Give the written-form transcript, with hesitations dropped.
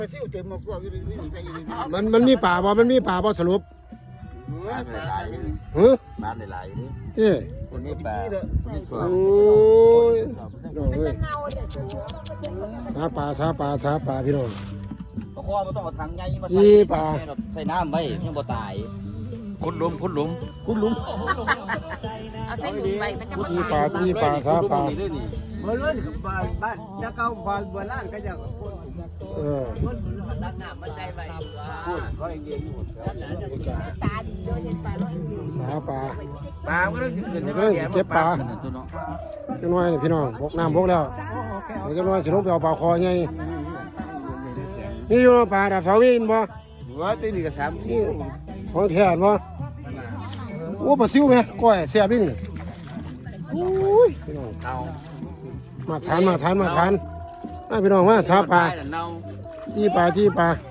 มันมีป่าบ่มันมีป่าบ่สรุปฮึบ้านหลายๆนี่เอ้คนนี้ป่าโอ้ยน้องเอ้ยสาป่าพี่น้องเพราะว่ามันต้องเอาถังใหญ่มาใส่น้ำไว้ยังบ่ตายขุดหลุมเอาใส่หลุมไปมันจะมาที่ป่าสาป่าเมื่อวันบ้านจะเข้าบ้านโบราณก็จะดันน้ำมันใจไปพูดเขาเองเดียวอยู่ตาดีด้วยเห็นปลาด้วยสาป่าก็ต้องเก็บป่าจังน้อยนี่พี่น้องบกน้ำบกแล้วเดี๋ยวจังน้อยสิลงไปเอาปลาคอใหญ่นี่อยู่ป่าดับเสาวินบ่ว่าตีนี่ก็3-4 ของแท้บ่โอ้ปลาซิวไหมก้อยแซ่บนี่นี่โอ้ยพี่น้องมาทานพี่น้องว่าสาป่าจี้ป่า